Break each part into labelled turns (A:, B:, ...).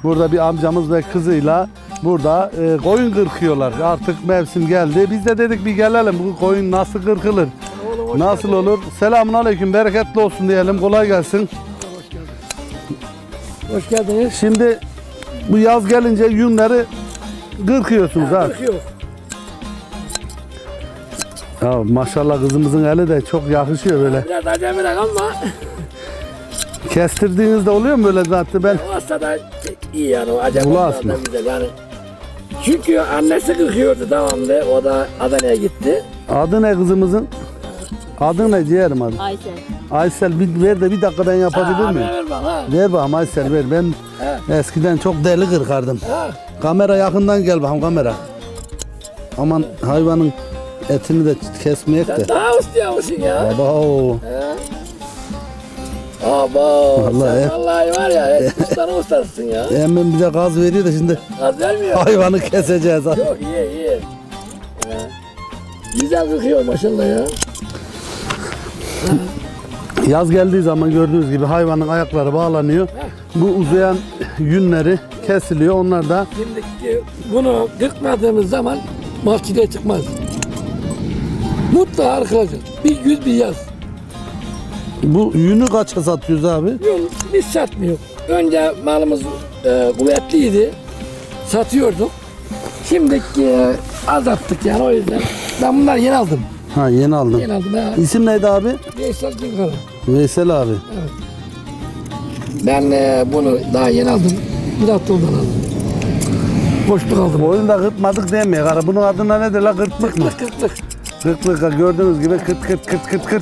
A: Burada bir amcamız ve kızıyla burada koyun kırkıyorlar. Artık mevsim geldi. Biz de dedik bir gelelim. Bu koyun nasıl kırkılır? Nasıl olur? Selamünaleyküm. Bereketli olsun diyelim. Kolay gelsin.
B: Hoş geldiniz.
A: Şimdi bu yaz gelince yünleri kırkıyorsunuz ha.
B: Kırkıyor.
A: Ya maşallah kızımızın eli de çok yakışıyor böyle.
B: Biraz acemilik ama
A: Kestirdiğinizde oluyor mu böyle zaten ben?
B: olsa da iyi yani o acemi
A: Ula
B: da
A: aslında.
B: güzel yani. Çünkü annesi kırkıyordu devamlı. O da Adana'ya gitti.
A: Adı ne kızımızın? Adı ne ciğerim adı?
C: Aysel.
A: Aysel ver de bir dakika ben yapabilir miyim?
B: Ver bak ha.
A: Ver bakalım Aysel ver. Ben eskiden çok deli kırkardım.
B: Ha.
A: Kamera yakından gel bakalım kamera. Aman hayvanın etini de kesmeyek de.
B: Sen daha ustayamışsın ya.
A: Baba o.
B: Abo.
A: Vallahi
B: Sen vallahi var ya. Ustanın ustasısın ya.
A: Hemen bize gaz veriyor da şimdi
B: Gaz vermiyor.
A: hayvanı keseceğiz.
B: Yok iyi. Güzel kırkıyor maşallah ya.
A: Yaz geldiği zaman gördüğünüz gibi hayvanın ayakları bağlanıyor. Bu uzayan yünleri kesiliyor. Onlar da
B: Şimdi bunu kırkmadığımız zaman mahkede çıkmaz. Mutlaka kırılacak. Bir güz bir yaz.
A: bu yünü kaça satıyoruz abi?
B: Yok biz satmıyor. Önce malımız kuvvetliydi. Satıyorduk. Şimdi azalttık yani o yüzden. Ben bunları yeni aldım.
A: Ha yeni aldın.
B: Yeni aldım ha.
A: İsim neydi abi?
B: Veysel Cinkara.
A: Veysel abi.
B: Ben bunu daha yeni aldım. Bir hafta oldu aldım. Boşluk aldım.
A: Oyunda kırpmadık demiyor. Ara bunun adına nedir la kırptık mı?
B: Kırktık.
A: Kırklık gördüğünüz gibi kırt.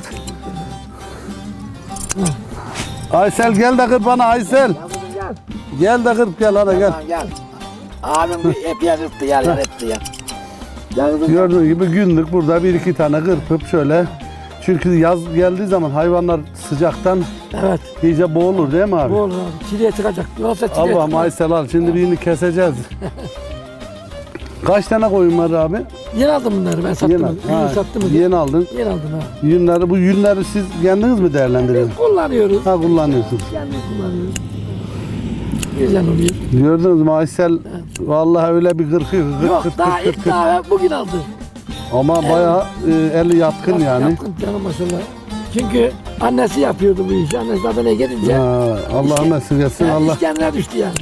A: Aysel gel de kırp bana Aysel.
B: Gel.
A: Gel de kırp gel hadi gel.
B: Tamam, gel. Abim bir epey kırptı yerler etti ya. Gel kızım.
A: Gördüğünüz gibi günlük burada bir iki tane kırpıp şöyle. Çünkü yaz geldiği zaman hayvanlar sıcaktan
B: Evet.
A: iyice boğulur değil mi abi?
B: Bu olur abi. Çileye çıkacak. Yoksa çileye
A: Allah'ım
B: çıkmaz.
A: Aysel al şimdi birini keseceğiz. Kaç tane koyun var abi?
B: Yeni aldım bunları ben sattım.
A: Yeni,
B: Yeni sattım.
A: yeni aldın.
B: Yeni aldım ha.
A: Yünleri, bu yünleri siz kendiniz mi değerlendiriyorsunuz?
B: Kullanıyoruz.
A: Ha kullanıyorsunuz.
B: Kendimiz kullanıyoruz. Güzel oluyor.
A: Gördünüz mü Aysel? Vallahi öyle bir kırkıyor.
B: Yok daha ilk daha bugün aldı.
A: Ama bayağı eli yatkın yani.
B: Yaptım canım maşallah. Çünkü annesi yapıyordu bu işi. Annesi Adana'ya gidince.
A: Ha, Allah'ım nasip etsin. Allah.
B: İş kendine düştü yani.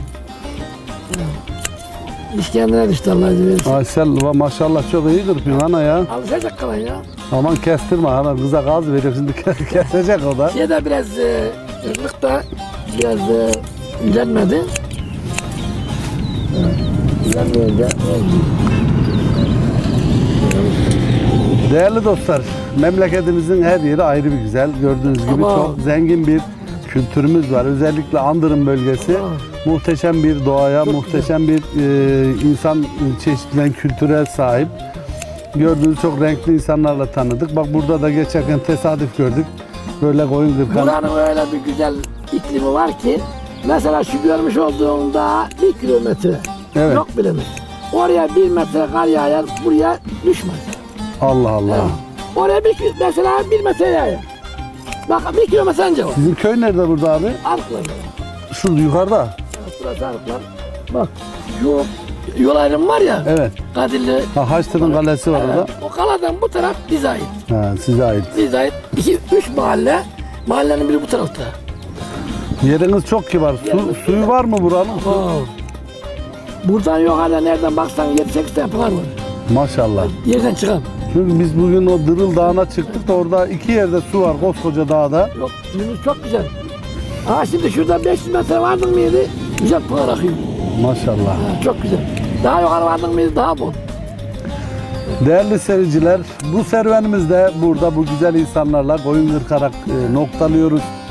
B: İş kendine düştü Allah izin verirse.
A: Aysel maşallah çok iyi kırpıyor ana ya.
B: Alışacak kalan ya.
A: Aman kestirme ana kıza gaz veriyor şimdi kesecek o da.
B: Şey de biraz ırlık da biraz ilerlemedi. İlerleyince
A: Değerli dostlar, memleketimizin her yeri ayrı bir güzel. Gördüğünüz gibi
B: Ama-
A: çok zengin bir kültürümüz var. Özellikle Andırın bölgesi muhteşem bir doğaya, muhteşem bir insan çeşitlen kültüre sahip. Gördüğünüz çok renkli insanlarla tanıdık. Bak burada da geçerken tesadüf gördük. Böyle koyun kırkan.
B: buranın öyle bir güzel iklimi var ki mesela şu görmüş olduğunda 1 kilometre
A: Evet.
B: yok bile mi? Oraya 1 metre kar yağar, buraya düşmez.
A: Allah Allah.
B: Oraya mesela 1 metre yağar. Bak 1 kilometre önce var.
A: Sizin köy nerede burada abi?
B: Arıklar.
A: Şu yukarıda.
B: Burası Arıklar. Bak şu yol ayrımı var ya.
A: Evet.
B: Kadirli.
A: Ha, Haçlı'nın kalesi var orada.
B: O kaladan bu taraf bize ait.
A: Ha, size ait.
B: Bize ait 2-3 mahalle. Mahallenin biri bu tarafta.
A: Yeriniz çok kibar. Suyu var mı buranın?
B: Buradan yukarıda nereden baksan 7-8 tane pınar var.
A: Maşallah.
B: Yerden çıkan.
A: Çünkü biz bugün o Dırıl Dağı'na çıktık da orada iki yerde su var koskoca dağda.
B: Yok suyumuz çok güzel. Şimdi şurada 500 metre vardın mıydı? Güzel pınar akıyor.
A: Maşallah.
B: Çok güzel. Daha yukarı vardın mıydı daha bol.
A: Değerli seyirciler, bu serüvenimizde burada bu güzel insanlarla koyun kırkarak noktalıyoruz.